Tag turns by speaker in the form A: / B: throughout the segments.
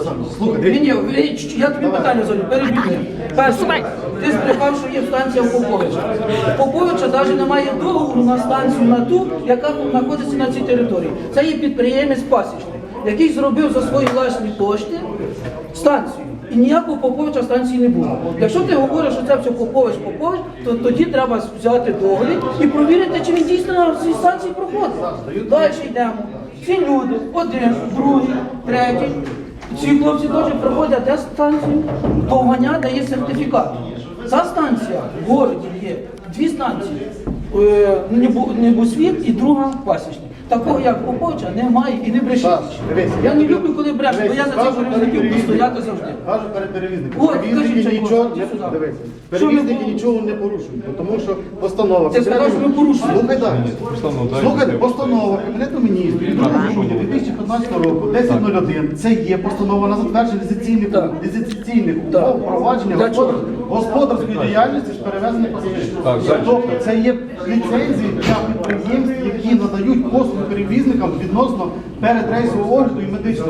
A: Ні, я тобі питання задаю, перебігай. Перше, ти збрехав, що є станція в Поповича. Поповича навіть немає договору на станцію на ту, яка знаходиться на цій території. Це є підприємець пасічник, який зробив за свої власні кошти станцію. І ніякого Поповича станції не було. Якщо ти говориш, що це все Попович, то тоді треба взяти договір і провірити, чи він дійсно на цій станції проходить. Далі йдемо. Ці люди, один, другий, третій. Ці хлопці теж проходять де станцію, Довганя дає сертифікат. Ця станція в городі є дві станції, Небосвіт і друга Пасічник. Такого, як Поповича, немає і не брешіть. Я не люблю, коли брешуть, бо я за цих перевізників буду стояти завжди.
B: Кажу перед перевізником. Перевізники нічого не порушують, тому що постанова.
A: Ти сказав, що ми порушуємо.
B: Слухай далі. Слухайте, постанова Кабінету міністрів 2 грудня 2015 року, 10.01, це є постанова на затвердження ліцензійних умов впровадження господарської діяльності з перевезення пасажирів. Тобто це є ліцензії для підприємств, які надають послуги перевізникам відносно передрейсового огляду і медичного.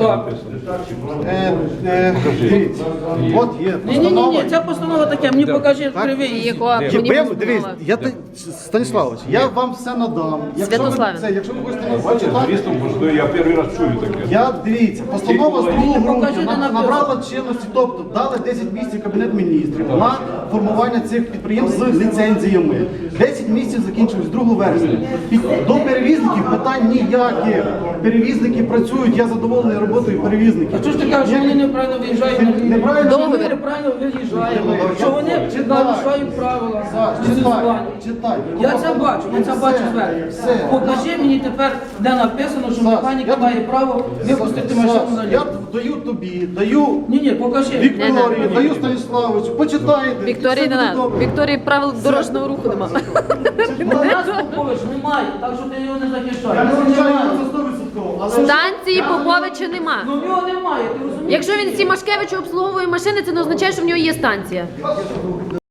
B: Дивіться, от є постанова.
A: Ні, ця постанова таке, мені покажи кривий.
B: Дивись, Станіславович, я вам все надам. Якщо ви хочете
C: Я перший раз чую таке.
B: дивіться, постанова з 2 грудня набрала чинності, тобто дали 10 місяців Кабінет міністрів на формування цих підприємств з ліцензіями. 10 місяців закінчилось 2 вересня. До перевізників питань ніяких. Перевізники працюють, я задоволений роботою перевізників.
A: А чого ж ти кажеш, що вони неправильно виїжджають на лінію? Що вони неправильно виїжджають, що вони нарушають правила.
B: Читай.
A: Я це бачу зверху. Покажи мені тепер, де написано, що механік має право випустити машину на лінію.
B: Я даю тобі, даю
A: Ні, покажи.
B: Вікторії, даю Станіславовичу, почитайте.
D: Вікторії не надо. Вікторії правил дорожнього руху нема.
A: У нас Попович немає, так що ти його не
B: Я
A: захищаєш.
B: не звичайно це 100%, але...
D: Станції Поповича нема.
A: Ну в нього немає, ти розумієш?
D: Якщо він Сімашкевичу обслуговує машини, це не означає, що в нього є станція.